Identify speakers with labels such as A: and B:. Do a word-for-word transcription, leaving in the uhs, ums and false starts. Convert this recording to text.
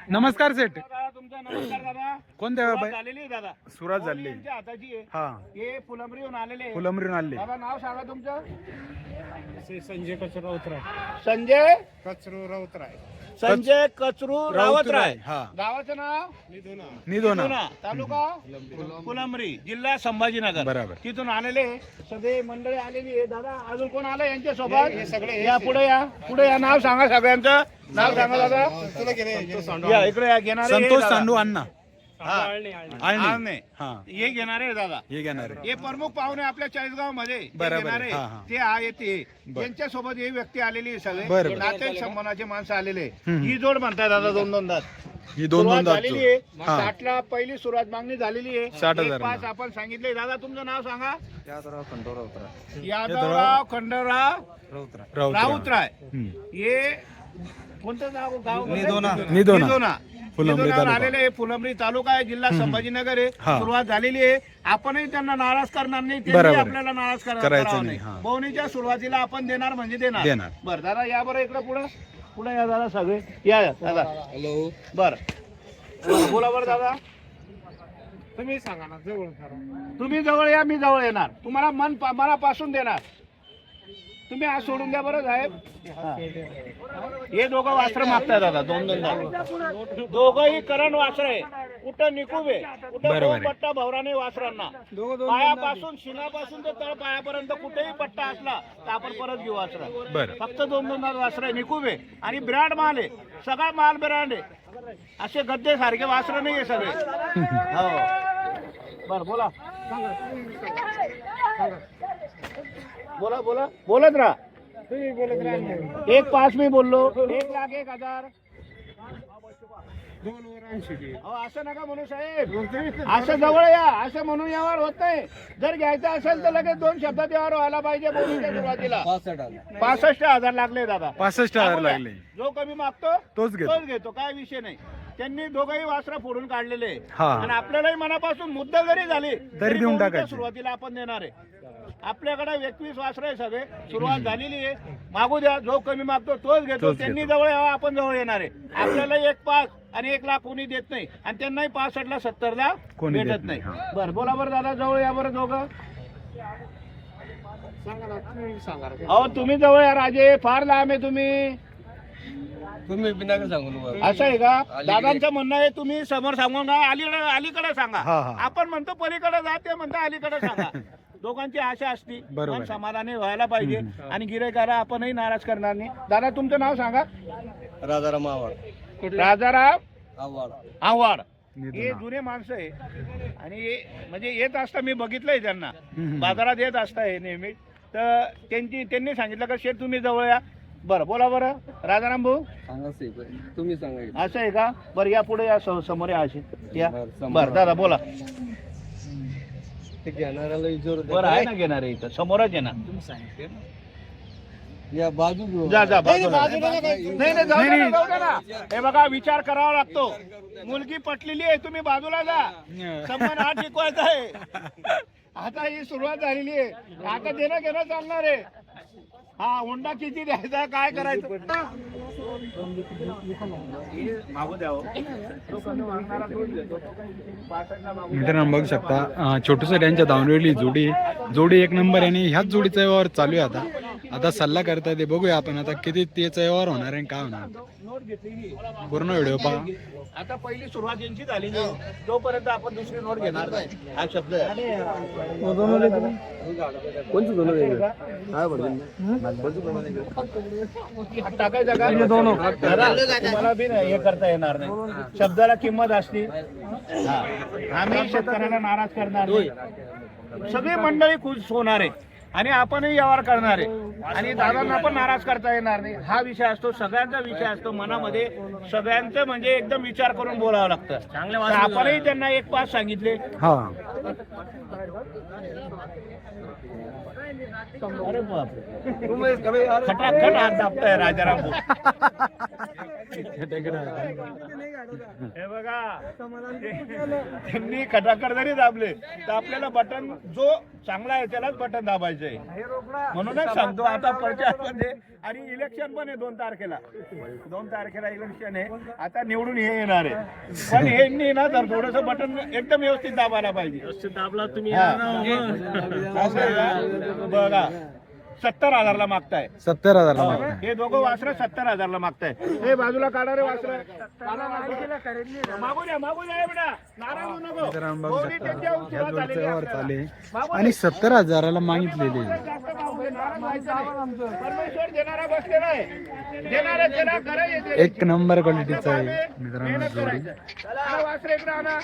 A: नमस्कार सेठ.
B: दादा तुमचा नमस्कार दादा.
A: कोणत्या
B: सुरुवात
A: बाई-
B: झालेली आहे दादा.
A: सुरुवात झाली.
B: यांच्या हाताची आहे.
A: हा
B: हे फुलंबरीहून आलेले आहे.
A: फुलंबरीहून आले.
B: दादा नाव सांगा तुमचं.
C: संजय कचरू राऊतराय.
B: संजय
C: कचरू राऊतराय.
B: संजय कचरू रावतराय.
A: हा
B: गावाचं नाव
C: निधोना.
A: निधोना.
B: निधोना, तालुका फुलंबरी, जिल्हा संभाजीनगर.
A: बरोबर.
B: तिथून आलेले सगळे मंडळी आलेली आहे. दादा अजून कोण आलं यांच्या सोबत? हे सगळे या पुढे या पुढे या. नाव सांगा सगळ्यांचं. नाव सांगा दादा.
C: तुला गेले
B: या इकडे या. घेणारे
A: संतोष
B: दादा.
A: सांडू अण्णा
B: हा.
A: आळणी.
B: आळणे.
A: हा
B: हे घेणारे आहे दादा.
A: हे घेणार आहे.
B: हे प्रमुख पाहुणे आपल्या चाळीसगाव मध्ये
A: बरोबर आहे. हा, हा.
B: ते आहे ते
A: बर.
B: यांच्या सोबत ही व्यक्ती आलेली आहे. सगळे
A: बरोबर.
B: नाते संबंधाचे माणसं आलेले आहे.
A: हम्म.
B: ही जोड म्हणतात दादा दोन दोन दात.
A: ही दोन
B: सुरुवात
A: दोन
B: झालेली आहे.
A: हा
B: साठला पहिली सुरुवात मागणी झालेली आहे.
A: साठ
B: एक
A: हजार
B: पाच
A: ना.
B: आपण सांगितले. दादा तुमचं नाव सांगा.
C: यादवराव खंडोराव राऊतराय.
B: यादवराव खंडराव
C: राऊतराय.
A: राऊत.
B: राऊतराय.
A: हम्म.
B: हे कोणतं गाव गाव
C: निधोना.
A: निधोना.
B: निधोना.
A: फुलंब्री
B: निधोनावर
A: तालुका.
B: आलेले आहे. फुलंब्री तालुका आहे, जिल्हा संभाजीनगर आहे.
A: हा.
B: सुरुवात झालेली आहे. आपणही त्यांना नाराज करणार नाही,
A: बरोबर
B: त्यांनी
A: आहे.
B: आपल्याला नाराज करा-
A: करायचं
B: करावं
A: नाही,
B: नाही.
A: हा.
B: बोवणीच्या सुरुवातीला आपण देणार म्हणजे देणार.
A: देणार.
B: बरं दादा या बरं इकडे पुढे पुढे या दादा सगळे या या दादा.
C: हॅलो.
B: बर बोला बरं दादा.
C: तुम्ही सांगा ना जवळ करा.
B: तुम्ही जवळ या, मी जवळ येणार. तुम्हाला मन मनापासून देणार. तुम्ही आज सोडून द्या बरं साहेब. हा. हे दोघं वास्त्र मागताय दादा. दोन दोन दादा दोघंही करण वास्त्र आहे. कुठं निकुबे कुठं
A: बरोबर आहे.
B: दोन पट्टा भवराने वासरांना. पायापासून शिनापासून तर तळ पायापर्यंत कुठेही पट्टा असला तर आपण परत घेऊ वासरा.
A: बरं.
B: फक्त दोन दोन दादा वासर आहे. निकुबे आणि ब्रँड माल आहे. सगळा माल ब्रँड आहे. असे गद्दे सारखे वासर नाही आहे सगळे. हो बर बोला. बोला बोला बोलत राहा.
C: तुम्ही बोलत राहा.
B: एक पाच मी बोललो. एक लाख एक हजार.
C: दोन वर ऐंशी दे.
B: अहो असं नका म्हणू साहेब. असं जवळ या. असं म्हणून यावर होत नाही. जर घ्यायचं असेल तर लगेच दोन शब्दात यावर व्हायला पाहिजे. बोलूच्या सुरुवातीला पासष्ट हजार लागले दादा.
A: पासष्ट हजार
B: सांगू द्या.
A: लागले.
B: जो कमी मागतो
A: तोच घेतो.
B: तोच घेतो. काय विषय नाही. त्यांनी दोघंही वासरा फोडून काढलेले
A: हा.
B: आणि आपल्यालाही मनापासून मुद्दा जरी झाली
A: तरी देऊन
B: बोलूच्या
A: टाकायचे.
B: सुरुवातीला आपण देणार आहे. आपल्याकडे एकवीस वासर आहे सगळे. सुरुवात झालेली आहे. मागू द्या. जो कमी मागतो तोच घेतो.
A: तोच
B: त्यांनी
A: घेतो.
B: जवळ यावं, आपण जवळ येणार आहे. आपल्याला एक पाच आणि एक लाख कोणी देत नाही आणि त्यांनाही पासष्ट ला सत्तर ला
A: कोणी
B: भेटत
A: देत
B: नाही.
A: नाही.
B: बरं बोला बरं दादा. जवळ या बरं दोघं.
C: सांगा ना तुम्ही सांगा.
B: अहो तुम्ही जवळ या राजे. फार लांब आहे तुम्ही.
C: तुम्ही बिना सांगू नका.
B: असं आहे का? दादांचं म्हणणं आहे तुम्ही समोर सांगू नका. अलीकडे अलीकडे सांगा.
A: हा, हा.
B: आपण म्हणतो पलीकडे जा, ते म्हणतो अलीकडे सांगा. दोघांची आशा असती.
A: बरोबर
B: मन
A: आहे.
B: समाधानी व्हायला पाहिजे आणि गिरायकाला आपणही नाराज करणार नाही. दादा तुमचं नाव सांगा.
C: राजाराम आव्हाड.
B: राजाराम
C: आव्हाड.
B: आव्हाड.
A: निधोना.
B: हे जुने माणसं आहे आणि हे- म्हणजे येत असता मी बघितलंय त्यांना.
A: हम्म.
B: बाजारात येत असता हे नेहमी. तर त्यांची त्यांनी सांगितलं का शेठ तुम्ही जवळ या. बरं बोला बरं राजाराम भाऊ.
C: सांगा तुम्ही सांगा.
B: असं आहे का? बरं या पुढे या. स- समोर या असे या.
C: बरं, समोर.
B: बरं दादा बोला.
C: ते घेणाऱ्याला विचारू
B: बरं आहे ना घेणार आहे इथं समोरच आहे ना.
C: या बाजू
B: जा जा बाजूला. नाही नाही जाऊ दे ना, जाऊ दे ना. हे बघा विचार करावा लागतो. मुलगी पटलेली आहे. तुम्ही बाजूला जा. संबंध हा टिकवायचा आहे. आता ही सुरुवात झालेली आहे. आता देणं घेणं चालणार आहे. हा हुंडा किती द्यायचा काय करायचं. मागू द्या हो. तो कमी मागणारा तोच देतो. पासष्टला मागू द्या.
A: मित्रांनो बघू शकता छोटूसा यांच्या धावणीवरली जोडी जोडी एक नंबर आहे आणि ह्याच जोडीचा व्यवहार चालू आहे. आता आता सल्ला करता ते बघूया आपण आता किती त्याचा व्यवहार होणार आहे काय होणार.
B: नोट घेतली.
A: पूर्ण व्हिडिओ पहा.
B: आता पहिली सुरुवात यांची झाली नाही तोपर्यंत आपण दुसरी नोट घेणार नाही. हा शब्द आहे.
C: कोणचं दोन
B: हात टाकायचा का? जरा तुम्हाला बी नाही हे करता येणार नाही. शब्दाला किंमत असते. हा. आम्ही शेतकऱ्याला नाराज करणार नाही. सगळी मंडळी खुश होणार आहे आणि आपणही व्यवहार करणार आहे आणि दादांना पण नाराज करता येणार नाही. हा विषय असतो. सगळ्यांचा विषय असतो मनामध्ये. सगळ्यांचं म्हणजे एकदम विचार करून बोलावं लागतं. तर आपणही त्यांना एक पाच सांगितले.
A: हा
B: अरे बापरे खटाखट हात दाबताय राजाराम भाऊ. हे बघा त्यांनी खटाखट जरी दाबले तर आपल्याला बटन जो चांगला आहे त्यालाच बटन दाबायचंय. म्हणूनच सांगतो आता प्रचारमध्ये आणि इलेक्शन पण आहे दोन तारखेला दोन तारखेला इलेक्शन आहे. आता निवडून हे येणार आहे पण हे ना तर थोडस बटन एकदम व्यवस्थित दाबायला पाहिजे. दाबला तुम्ही बघा सत्तर हजारला मागताय.
A: सत्तर हजारला मागताय.
B: हे दोघं वासरं सत्तर हजारला मागताय. हे बाजूला काढणारे वासरं मागू द्या मागू द्या बेटा नाराज होऊ नको.
A: मित्रांनो बघू
B: गौरी
A: शकता
B: त्यांच्या
A: ह्या
B: उशिरा
A: जोडीचा
B: झालेली
A: व्यवहार
B: आपल्याला.
A: चालू आहे आणि सत्तर हजाराला मागितलेले आहे.
B: जास्त मागू दे, नाराज व्हायचं नाही. परमेश्वर देणारा बसलेला आहे. देणारा देणार करायचं.
A: एक नंबर क्वालिटीचा आहे मित्रांनो जोडी.
B: चला वासरे इकडे आणा.